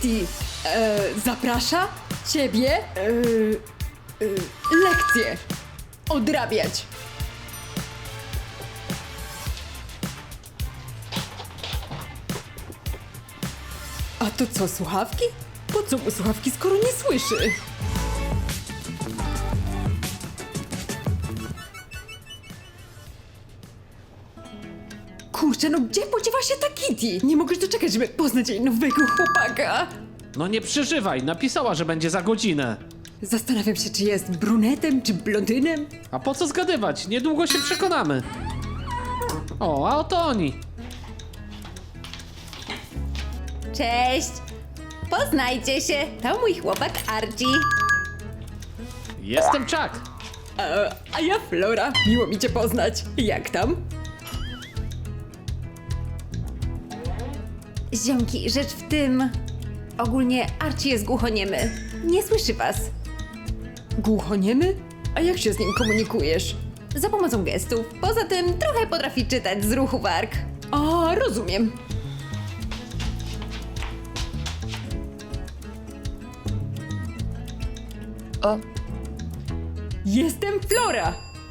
Kitty zaprasza ciebie lekcje odrabiać. A to co, słuchawki? Po co mu słuchawki, skoro nie słyszy? Kurczę, no gdzie podziewa się ta Kitty? Nie mogę się doczekać, żeby poznać jej nowego chłopaka. No nie przeżywaj, napisała, że będzie za godzinę. Zastanawiam się, czy jest brunetem, czy blondynem. A po co zgadywać? Niedługo się przekonamy. O, a oto oni. Cześć! Poznajcie się, to mój chłopak Archie. Jestem Chuck. A ja Flora. Miło mi cię poznać. Jak tam? Ziomki, rzecz w tym... Ogólnie Archie jest głuchoniemy. Nie słyszy was. Głuchoniemy? A jak się z nim komunikujesz? Za pomocą gestów. Poza tym trochę potrafi czytać z ruchu warg. A, rozumiem. O, Jestem Flora.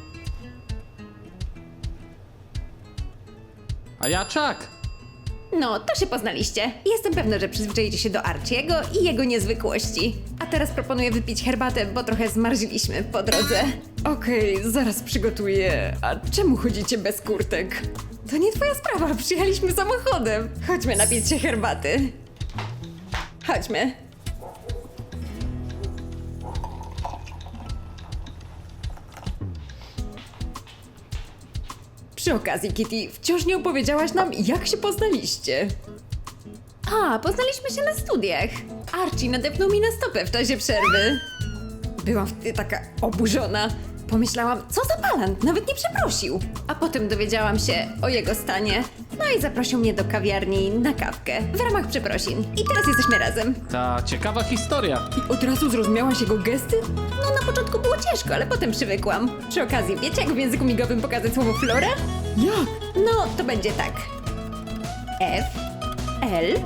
A ja Chuck. no to się poznaliście. Jestem pewna, że przyzwyczaicie się do Archiego i jego niezwykłości. A teraz proponuję wypić herbatę, bo trochę zmarzliśmy po drodze. Okej, zaraz przygotuję. A czemu chodzicie bez kurtek? To nie twoja sprawa, przyjechaliśmy samochodem. Chodźmy napić się herbaty. Chodźmy. Przy okazji, Kitty, wciąż nie opowiedziałaś nam, jak się poznaliście. A, poznaliśmy się na studiach. Archie nadepnął mi na stopę w czasie przerwy. Byłam wtedy taka oburzona. Pomyślałam, co za balant, nawet nie przeprosił. A potem dowiedziałam się o jego stanie. No i zaprosił mnie do kawiarni na kawkę w ramach przeprosin. I teraz jesteśmy razem. Ta ciekawa historia. I od razu zrozumiałaś jego gesty? No na początku było ciężko, ale potem przywykłam. Przy okazji, wiecie jak w języku migowym pokazać słowo Flora? Jak? No, to będzie tak. F, L,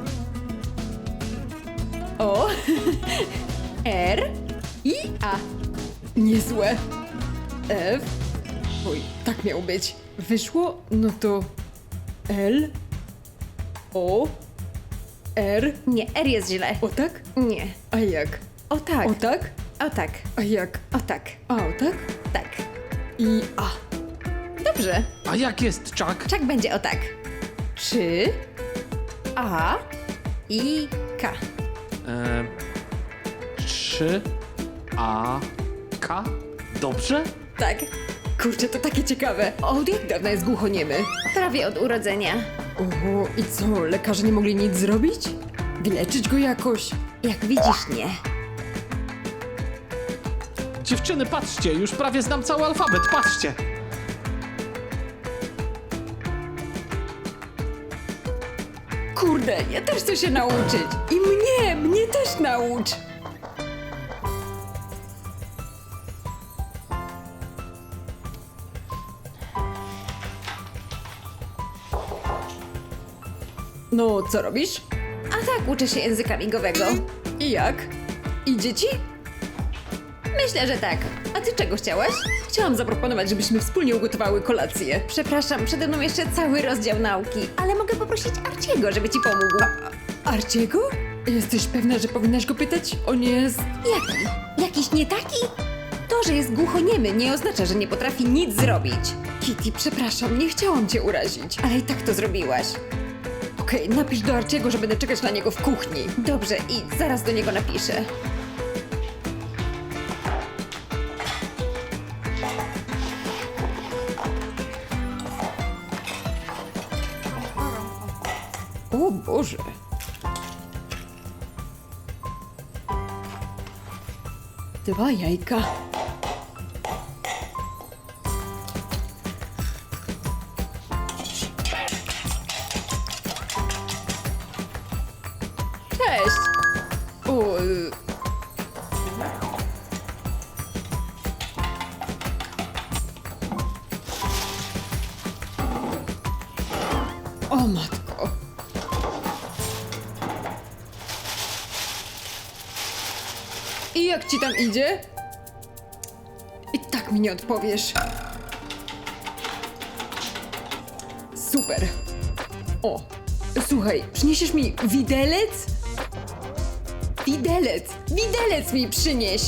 O, R, i A. Niezłe. F. Oj, tak miało być. Wyszło, no to L, O, R. nie, R jest źle. O tak? Nie. A jak? O tak. O tak? O tak. A jak? O tak. A o tak? Tak. I A. Dobrze. A jak jest Chuck? Czak będzie o tak. 3, A i K. 3 A K? Dobrze? Tak. Kurczę, to takie ciekawe. Od jak dawna jest głuchoniemy? Prawie od urodzenia. Oho, i co, lekarze nie mogli nic zrobić? Wyleczyć go jakoś? Jak widzisz, nie. Dziewczyny, patrzcie, już prawie znam cały alfabet, patrzcie. Kurde, ja też chcę się nauczyć. I mnie też naucz. No, co robisz? A tak, uczę się języka migowego. I jak? Idzie ci? Myślę, że tak. A ty czego chciałaś? Chciałam zaproponować, żebyśmy wspólnie ugotowały kolację. Przepraszam, przede mną jeszcze cały rozdział nauki, ale mogę poprosić Archiego, żeby ci pomógł. Arciego? Jesteś pewna, że powinnaś go pytać? On jest... Jaki? Jakiś nie taki? To, że jest głuchoniemy, nie oznacza, że nie potrafi nic zrobić. Kitty, przepraszam, nie chciałam cię urazić. Ale i tak to zrobiłaś. Okej, napisz do Arciego, że będę czekać na niego w kuchni. Dobrze, i zaraz do niego napiszę. O Boże. Dwa jajka. Cześć. O, o matko. I jak ci tam idzie? I tak mi nie odpowiesz. Super. O, słuchaj, przyniesiesz mi widelec? Widelec mi przynieś!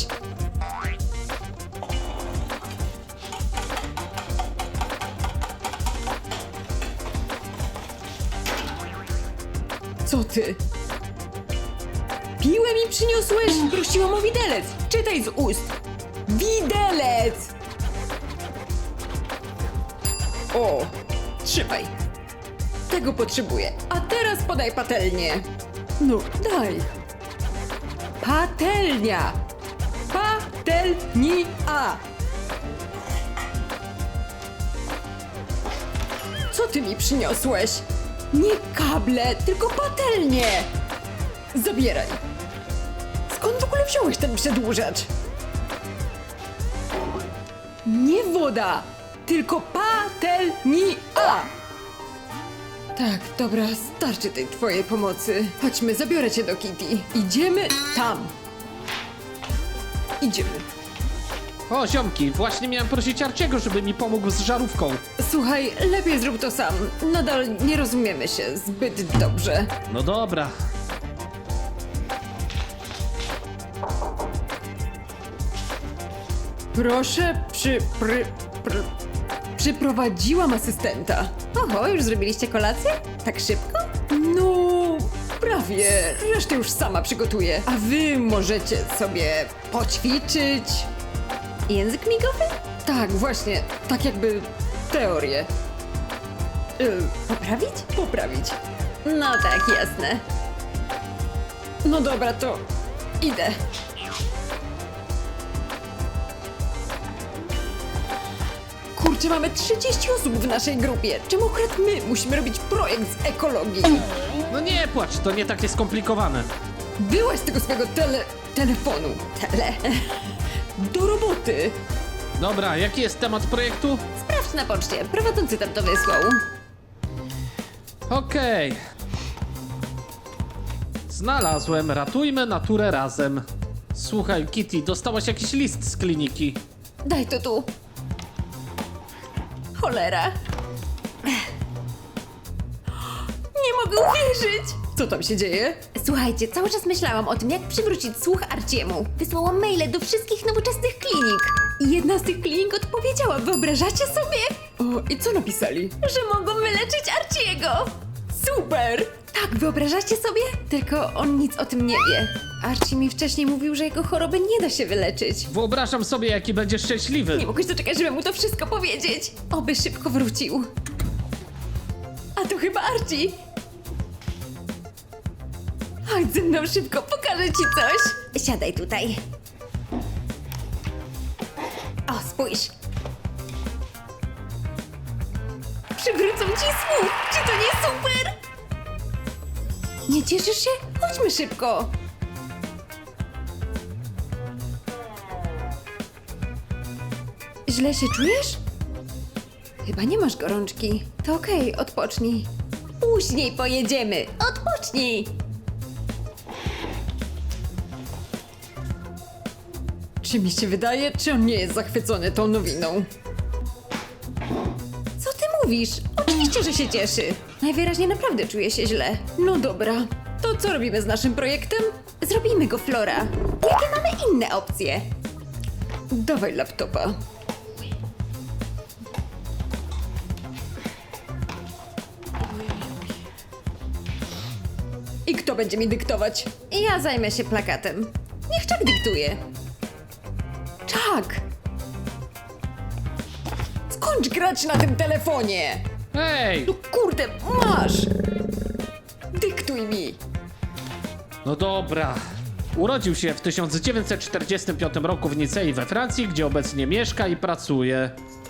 Co ty? Piłę mi przyniosłeś? Prosiłam o widelec! Czytaj z ust! Widelec! O, trzymaj. Tego potrzebuję. A teraz podaj patelnię. No, daj. Patelnia! Patelnia! Co ty mi przyniosłeś? Nie kable, tylko patelnię! Zabieraj. Skąd w ogóle wziąłeś ten przedłużacz? Nie woda, tylko patelnia! Tak, dobra, starczy tej twojej pomocy. Chodźmy, zabiorę cię do Kitty. Idziemy tam. Idziemy. O, ziomki, właśnie miałem prosić Arciego, żeby mi pomógł z żarówką. Słuchaj, lepiej zrób to sam. Nadal nie rozumiemy się zbyt dobrze. No dobra. Proszę, przyprowadziłam asystenta. Oho, już zrobiliście kolację? Tak szybko? No, prawie. Resztę już sama przygotuję. A wy możecie sobie poćwiczyć. Język migowy? Tak, właśnie. Tak jakby teorię. Poprawić? Poprawić. No tak, jasne. No dobra, to idę. Kurczę, mamy 30 osób w naszej grupie. Czemu akurat my musimy robić projekt z ekologii? No nie płacz, to nie takie skomplikowane. Byłaś z tego swojego telefonu. Do roboty. Dobra, jaki jest temat projektu? Sprawdź na poczcie, prowadzący tam to wysłał. Okej. Znalazłem, ratujmy naturę razem. Słuchaj, Kitty, dostałaś jakiś list z kliniki. Daj to tu. Cholera. Nie mogę uwierzyć! Co tam się dzieje? Słuchajcie, cały czas myślałam o tym, jak przywrócić słuch Arciemu. Wysłałam maile do wszystkich nowoczesnych klinik. I jedna z tych klinik odpowiedziała, wyobrażacie sobie? O, i co napisali? Że mogą wyleczyć Arciego! Super! Tak, wyobrażacie sobie? Tylko on nic o tym nie wie. Archie mi wcześniej mówił, że jego choroby nie da się wyleczyć. Wyobrażam sobie, jaki będziesz szczęśliwy. Nie mogłeś doczekać, żeby mu to wszystko powiedzieć. Oby szybko wrócił. A to chyba Archie. Chodź ze mną szybko, pokażę ci coś. Siadaj tutaj. O, spójrz. Przywrócą ci słuch. Czy to nie super? Nie cieszysz się? Chodźmy szybko. Źle się czujesz? Chyba nie masz gorączki. To okej, odpocznij. Później pojedziemy. Odpocznij. Czy mi się wydaje, czy on nie jest zachwycony tą nowiną? Co ty mówisz? Oczywiście, że się cieszy. Najwyraźniej naprawdę czuje się źle. No dobra, to co robimy z naszym projektem? Zrobimy go, Flora. Jakie mamy inne opcje? Dawaj laptopa. I kto będzie mi dyktować? Ja zajmę się plakatem. Niech Chuck dyktuje. Chuck! Skończ grać na tym telefonie! Hej! No kurde, masz! Dyktuj mi! No dobra. Urodził się w 1945 roku w Nicei we Francji, gdzie obecnie mieszka i pracuje.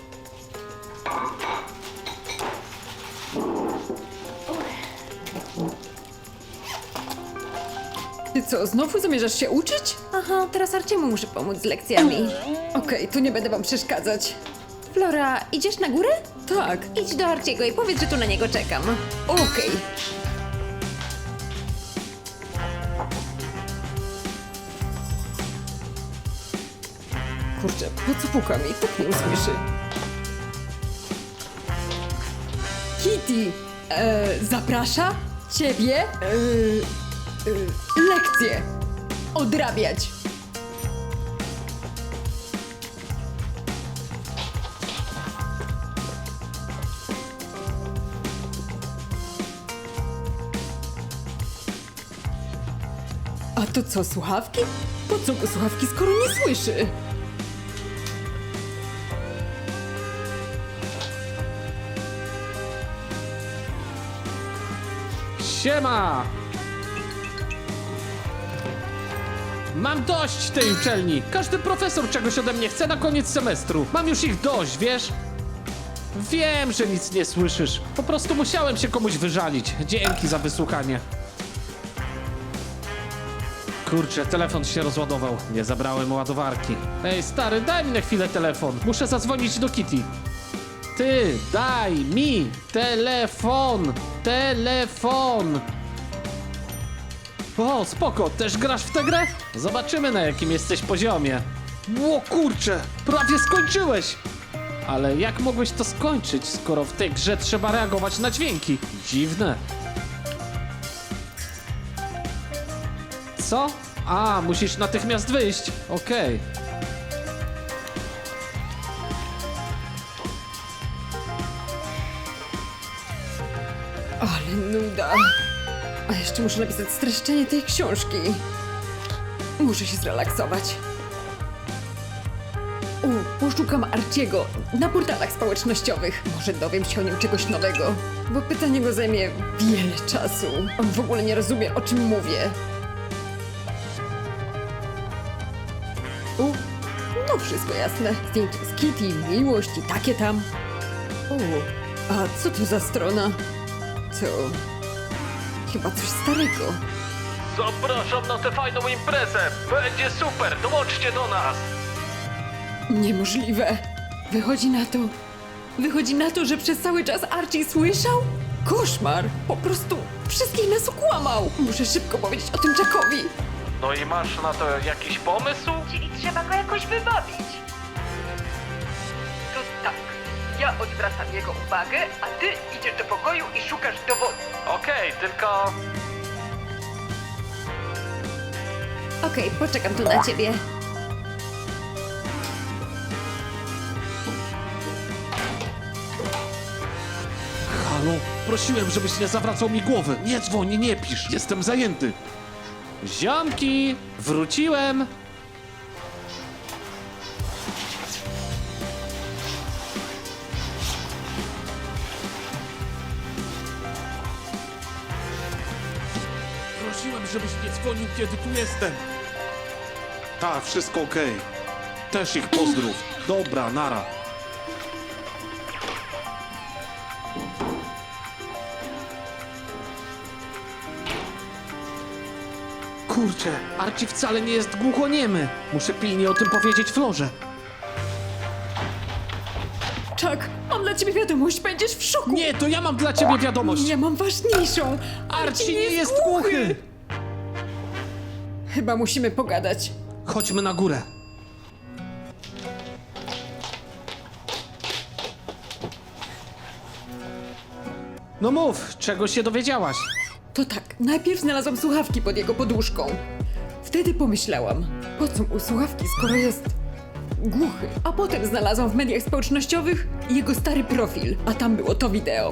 Ty co, znowu zamierzasz się uczyć? Aha, teraz Arciemu muszę pomóc z lekcjami. Okej, to nie będę wam przeszkadzać. Flora, idziesz na górę? Tak, Idź do Arciego i powiedz, że tu na niego czekam. okej. Kurczę, po co pukam i tak nie usłyszy? Kitty! Zaprasza ciebie lekcje odrabiać. A to co, słuchawki? Po co go słuchawki, skoro nie słyszy? Siema! Mam dość tej uczelni. Każdy profesor czegoś ode mnie chce na koniec semestru. Mam już ich dość, wiesz? Wiem, że nic nie słyszysz. Po prostu musiałem się komuś wyżalić. Dzięki za wysłuchanie. Kurczę, telefon się rozładował. Nie zabrałem ładowarki. Ej, stary, daj mi na chwilę telefon. Muszę zadzwonić do Kitty. Ty, daj mi telefon! Telefon! O, spoko, też grasz w tę grę? Zobaczymy, na jakim jesteś poziomie. Ło, kurczę, prawie skończyłeś! Ale jak mogłeś to skończyć, skoro w tej grze trzeba reagować na dźwięki? Dziwne. Co? A, musisz natychmiast wyjść. Okej. Ale nuda. A jeszcze muszę napisać streszczenie tej książki. Muszę się zrelaksować. Poszukam Archiego na portalach społecznościowych. Może dowiem się o nim czegoś nowego. Bo pytanie go zajmie wiele czasu. On w ogóle nie rozumie, o czym mówię. No wszystko jasne. Zdjęcie z Kitty, miłość i takie tam. A co to za strona? Co? Chyba coś starego. Zapraszam na tę fajną imprezę. Będzie super, dołączcie do nas. Niemożliwe. Wychodzi na to, że przez cały czas Archie słyszał? Koszmar! Po prostu wszystkich nas okłamał! Muszę szybko powiedzieć o tym Jackowi. No i masz na to jakiś pomysł? Czyli trzeba go jakoś wybawić. To tak, ja odwracam jego uwagę, a ty idziesz do pokoju i szukasz dowodu. Okej, tylko... Okej, poczekam tu na ciebie. Halo? Prosiłem, żebyś nie zawracał mi głowy. Nie dzwoń, nie pisz. Jestem zajęty. Ziomki! Wróciłem! Prosiłem, żebyś nie dzwonił, kiedy tu jestem. Tak, wszystko okej. Też ich pozdrów. Dobra, nara. Kurczę, Archie wcale nie jest głuchoniemy. Muszę pilnie o tym powiedzieć Florze. Chuck, mam dla ciebie wiadomość, będziesz w szoku! Nie, to ja mam dla ciebie wiadomość. Ja mam ważniejszą! Archie nie jest głuchy. Chyba musimy pogadać. Chodźmy na górę. No mów, czego się dowiedziałaś? To tak, najpierw znalazłam słuchawki pod jego poduszką. Wtedy pomyślałam, po co mu słuchawki, skoro jest głuchy. A potem znalazłam w mediach społecznościowych jego stary profil, a tam było to wideo.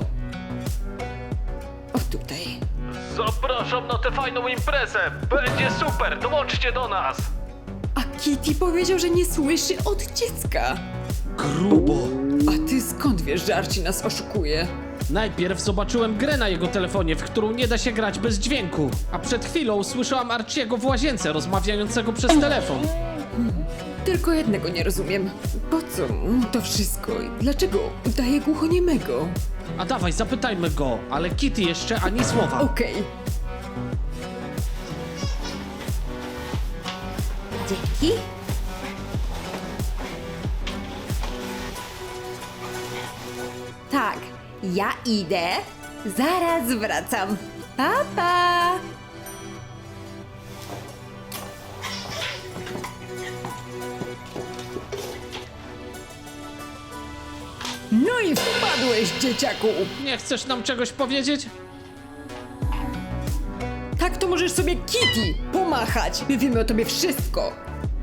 O tutaj. Zapraszam na tę fajną imprezę. Będzie super, dołączcie do nas. A Kitty powiedział, że nie słyszy od dziecka. Grubo. A ty skąd wiesz, że Archie nas oszukuje? Najpierw zobaczyłem grę na jego telefonie, w którą nie da się grać bez dźwięku. A przed chwilą usłyszałam Archiego w łazience rozmawiającego przez telefon. Tylko jednego nie rozumiem. Po co mu to wszystko? Dlaczego udaje głuchoniemego? A dawaj, zapytajmy go, ale Kitty jeszcze ani słowa. Okej. Dzięki. Tak, ja idę. Zaraz wracam. Pa, pa. No i wpadłeś, dzieciaku! Nie chcesz nam czegoś powiedzieć? Tak to możesz sobie Kitty pomachać! My wiemy o tobie wszystko!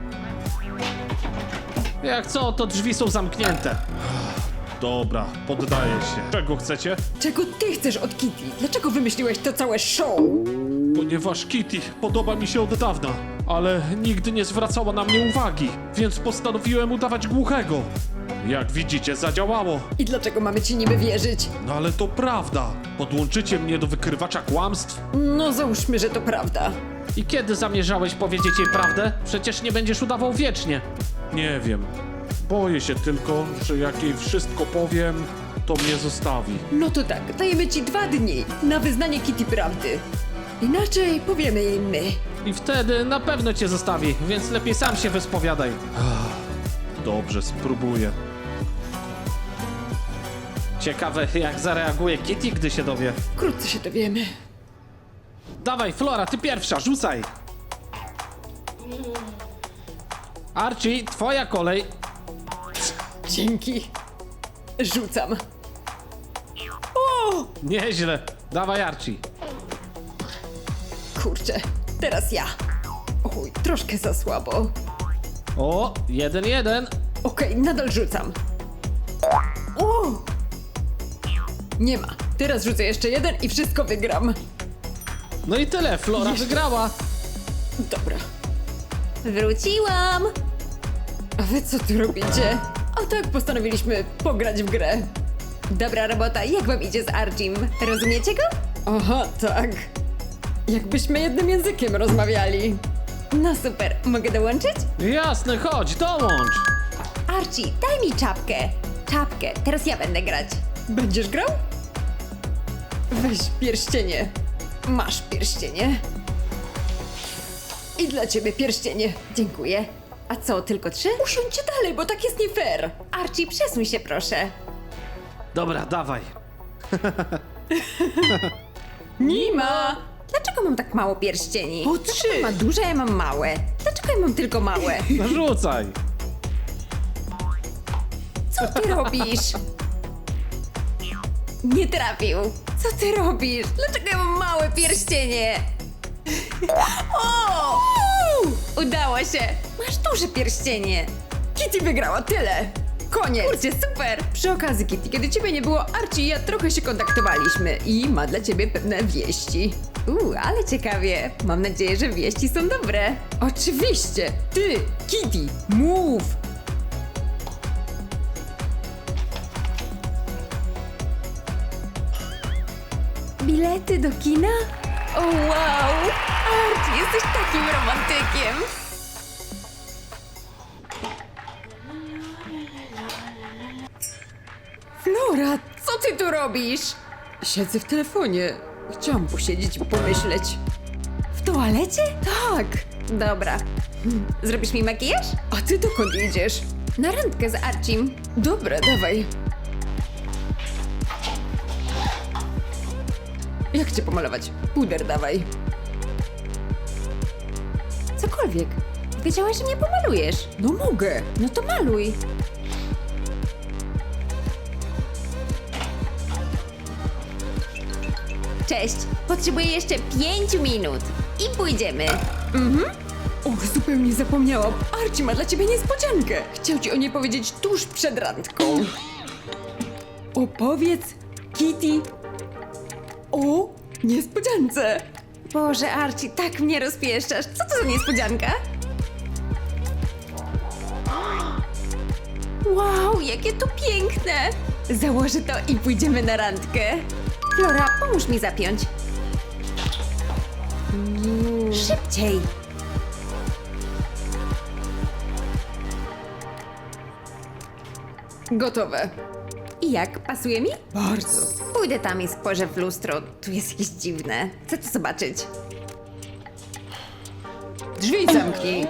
Jak co, to drzwi są zamknięte. Dobra, poddaję się. Czego chcecie? Czego ty chcesz od Kitty? Dlaczego wymyśliłeś to całe show? Ponieważ Kitty podoba mi się od dawna, ale nigdy nie zwracała na mnie uwagi, więc postanowiłem udawać głuchego. Jak widzicie, zadziałało. I dlaczego mamy ci niby wierzyć? No ale to prawda. Podłączycie mnie do wykrywacza kłamstw? No załóżmy, że to prawda. I kiedy zamierzałeś powiedzieć jej prawdę? Przecież nie będziesz udawał wiecznie. Nie wiem. Boję się tylko, że jak jej wszystko powiem, to mnie zostawi. No to tak, dajemy ci 2 dni na wyznanie Kitty prawdy. Inaczej powiemy jej my. I wtedy na pewno cię zostawi, więc lepiej sam się wyspowiadaj. Dobrze, spróbuję. Ciekawe, jak zareaguje Kitty, gdy się dowie. Wkrótce się dowiemy. Dawaj, Flora, ty pierwsza, rzucaj. Archie, twoja kolej. Dzięki. Rzucam. O! Nieźle. Dawaj, Archie. Kurczę, teraz ja. Oj, troszkę za słabo. O, 1-1. Okej, nadal rzucam. O! Nie ma. Teraz rzucę jeszcze 1 i wszystko wygram. No i tyle, Flora Jeszcze. wygrała. Dobra. Wróciłam! A wy co tu robicie? A tak postanowiliśmy pograć w grę. Dobra robota, jak wam idzie z Archim? Rozumiecie go? Aha, tak. Jakbyśmy jednym językiem rozmawiali. No super, mogę dołączyć? Jasne, chodź, dołącz. Archie, daj mi czapkę. Czapkę, teraz ja będę grać. Będziesz grał? Weź pierścienie. Masz pierścienie. I dla ciebie pierścienie. Dziękuję. A co, tylko 3? Usiądźcie dalej, bo tak jest nie fair. Archie, przesuń się proszę. Dobra, dawaj. Nima! Dlaczego mam tak mało pierścieni? Po Dlaczego 3. ma duże, a ja mam małe? Dlaczego ja mam tylko małe? No rzucaj. Co ty robisz? Nie trafił. Co ty robisz? Dlaczego ja mam małe pierścienie? O! Udało się. Masz duże pierścienie. Kitty wygrała, tyle. Koniec. Kurczę, super. Przy okazji, Kitty, kiedy ciebie nie było, Archie i ja trochę się kontaktowaliśmy i ma dla ciebie pewne wieści. Ale ciekawie. Mam nadzieję, że wieści są dobre. Oczywiście! Ty, Kitty, mów! Bilety do kina? O wow! Archie, jesteś takim romantykiem. Flora, Co ty tu robisz? siedzę w telefonie. Chciałam posiedzieć i pomyśleć. W toalecie? Tak, Dobra. Zrobisz mi makijaż? a ty dokąd idziesz? Na randkę z Archim. Dobra, dawaj. Jak cię pomalować? Puder dawaj. Cokolwiek. Wiedziałaś, że mnie pomalujesz. No mogę. No to maluj. Cześć. Potrzebuję jeszcze 5 minut. I pójdziemy. Och, zupełnie zapomniałam. Archie ma dla ciebie niespodziankę. Chciał ci o niej powiedzieć tuż przed randką. Opowiedz, Kitty, o niespodziance. Boże, Archie, tak mnie rozpieszczasz. Co to za niespodzianka? Wow, jakie to piękne! Założę to i pójdziemy na randkę. Flora, pomóż mi zapiąć. Szybciej! Gotowe. I jak, pasuje mi? Bardzo. Pójdę tam i spojrzę w lustro. Tu jest jakieś dziwne. Chcę to zobaczyć. Drzwi zamknij.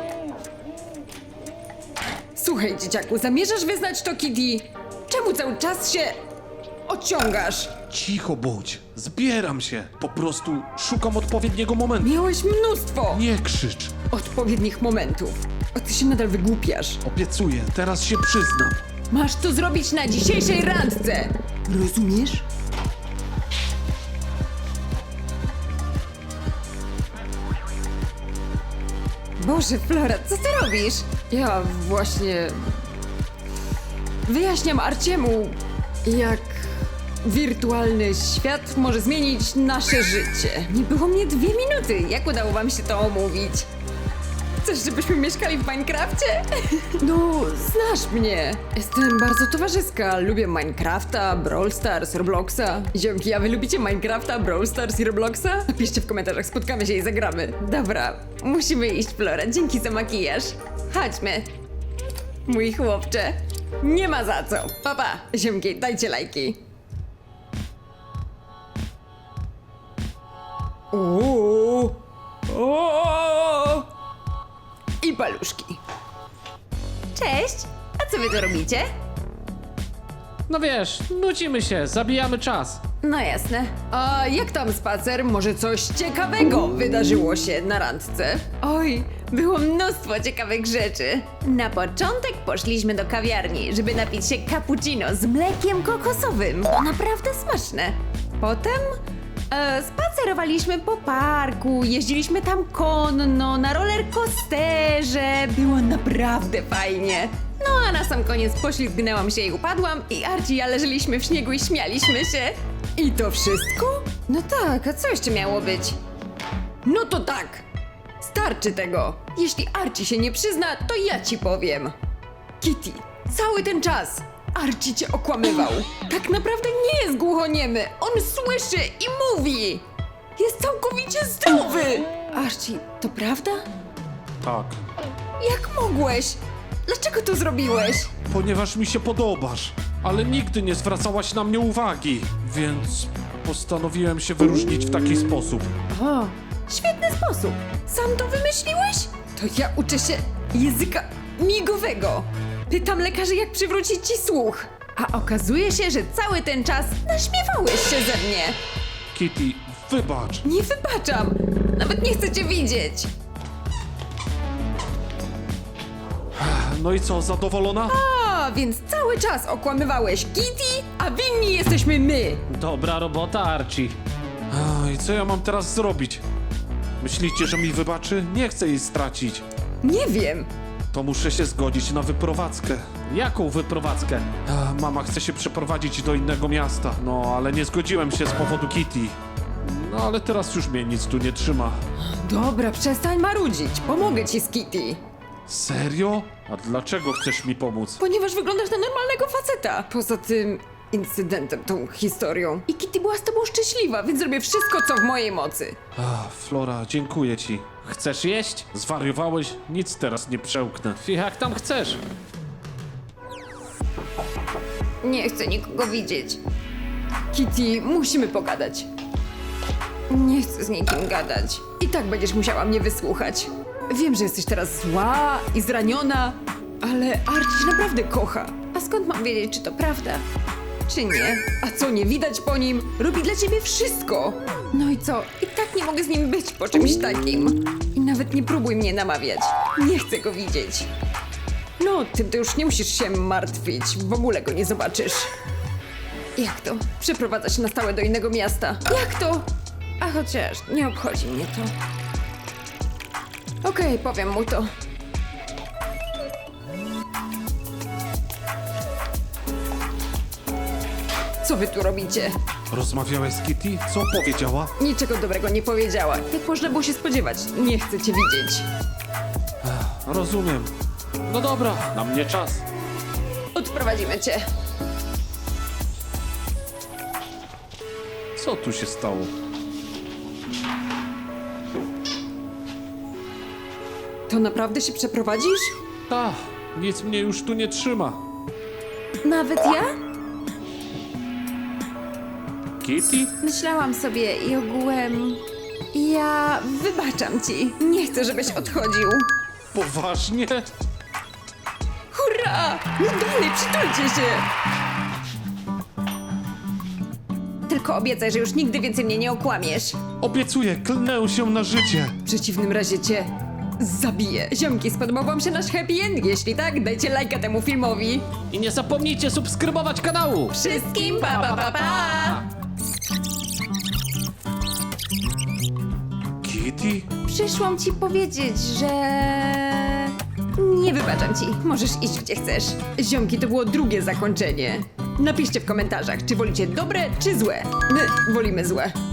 Słuchaj, dzieciaku, zamierzasz wyznać to Kitty? Czemu cały czas się ociągasz? Cicho bądź. Zbieram się. Po prostu szukam odpowiedniego momentu. Miałeś mnóstwo Nie krzycz. odpowiednich momentów. A ty się nadal wygłupiasz. Obiecuję, teraz się przyznam. Masz to zrobić na dzisiejszej randce. Rozumiesz? Boże, Flora, co ty robisz? Ja właśnie... Wyjaśniam Arciemu, jak wirtualny świat może zmienić nasze życie. Nie było mnie 2 minuty. Jak udało wam się to omówić? Chcesz, żebyśmy mieszkali w Minecrafcie? No, znasz mnie. Jestem bardzo towarzyska. Lubię Minecrafta, Brawl Stars, Robloxa. Ziomki, a wy lubicie Minecrafta, Brawl Stars i Robloxa? Napiszcie w komentarzach, spotkamy się i zagramy. Dobra, musimy iść, Flora. Dzięki za makijaż. Chodźmy. Mój chłopcze. Nie ma za co. Papa, ziomki, dajcie lajki. Uuu. O! I paluszki. Cześć! A co wy tu robicie? No wiesz, nudzimy się, zabijamy czas. No jasne. A jak tam spacer? Może coś ciekawego wydarzyło się na randce? Oj, było mnóstwo ciekawych rzeczy. Na początek poszliśmy do kawiarni, żeby napić się cappuccino z mlekiem kokosowym. To naprawdę smaczne. Potem spacerowaliśmy po parku, jeździliśmy tam konno, na rollercoasterze. Było naprawdę fajnie. No a na sam koniec poślizgnęłam się i upadłam i Archie i ja leżeliśmy w śniegu i śmialiśmy się. I to wszystko? No tak, a co jeszcze miało być? No to tak. Starczy tego. Jeśli Archie się nie przyzna, to ja ci powiem. Kitty, cały ten czas Archie cię okłamywał. Tak naprawdę nie jest głuchoniemy. On słyszy i mówi. Jest całkowicie zdrowy. Archie, to prawda? Tak, Jak mogłeś? Dlaczego to zrobiłeś? ponieważ mi się podobasz, ale nigdy nie zwracałaś na mnie uwagi, więc postanowiłem się wyróżnić w taki sposób. O, świetny sposób. Sam to wymyśliłeś? To ja uczę się języka migowego. Pytam lekarzy, jak przywrócić ci słuch. A okazuje się, że cały ten czas naśmiewałeś się ze mnie. Kitty, wybacz. Nie wybaczam. Nawet nie chcę cię widzieć. No i co, zadowolona? A, więc cały czas okłamywałeś Kitty, a winni jesteśmy my. Dobra robota, Archie. I co ja mam teraz zrobić? Myślicie, że mi wybaczy? Nie chcę jej stracić. Nie wiem. To muszę się zgodzić na wyprowadzkę. Jaką wyprowadzkę? Mama chce się przeprowadzić do innego miasta. No, ale nie zgodziłem się z powodu Kitty. No, ale teraz już mnie nic tu nie trzyma. Dobra, przestań marudzić. Pomogę ci z Kitty. Serio? A dlaczego chcesz mi pomóc? Ponieważ wyglądasz na normalnego faceta. Poza tym incydentem, tą historią. I Kitty była z tobą szczęśliwa, więc zrobię wszystko, co w mojej mocy. Flora, dziękuję ci. Chcesz jeść? Zwariowałeś? Nic teraz nie przełknę. Jak tam chcesz? Nie chcę nikogo widzieć. Kitty, musimy pogadać. Nie chcę z nikim gadać. I tak będziesz musiała mnie wysłuchać. Wiem, że jesteś teraz zła i zraniona, ale Archie cię naprawdę kocha. A skąd mam wiedzieć, czy to prawda, czy nie? A co nie widać po nim? Robi dla ciebie wszystko. No i co? I tak nie mogę z nim być po czymś takim. I nawet nie próbuj mnie namawiać. Nie chcę go widzieć. No, tym to już nie musisz się martwić. W ogóle go nie zobaczysz. Jak to? Przeprowadza się na stałe do innego miasta. Jak to? A chociaż nie obchodzi mnie to. Okej, powiem mu to. Co wy tu robicie? Rozmawiałeś z Kitty? Co powiedziała? Niczego dobrego nie powiedziała. Jak można było się spodziewać? Nie chcę cię widzieć. Rozumiem. No dobra, na mnie czas. Odprowadzimy cię. Co tu się stało? To naprawdę się przeprowadzisz? Nic mnie już tu nie trzyma. Nawet ja? Kitty? Myślałam sobie i ogółem... Ja wybaczam ci. Nie chcę, żebyś odchodził. Poważnie? Hurra! No dalej, przytulcie się! Tylko obiecaj, że już nigdy więcej mnie nie okłamiesz. Obiecuję, klnę się na życie. W przeciwnym razie cię zabiję. Ziomki, spodobał wam się nasz happy end? Jeśli tak, dajcie lajka temu filmowi. I nie zapomnijcie subskrybować kanału! Wszystkim pa pa pa pa! Kitty? Przyszłam ci powiedzieć, że... Nie wybaczam ci. Możesz iść gdzie chcesz. Ziomki, to było drugie zakończenie. Napiszcie w komentarzach, czy wolicie dobre, czy złe. My wolimy złe.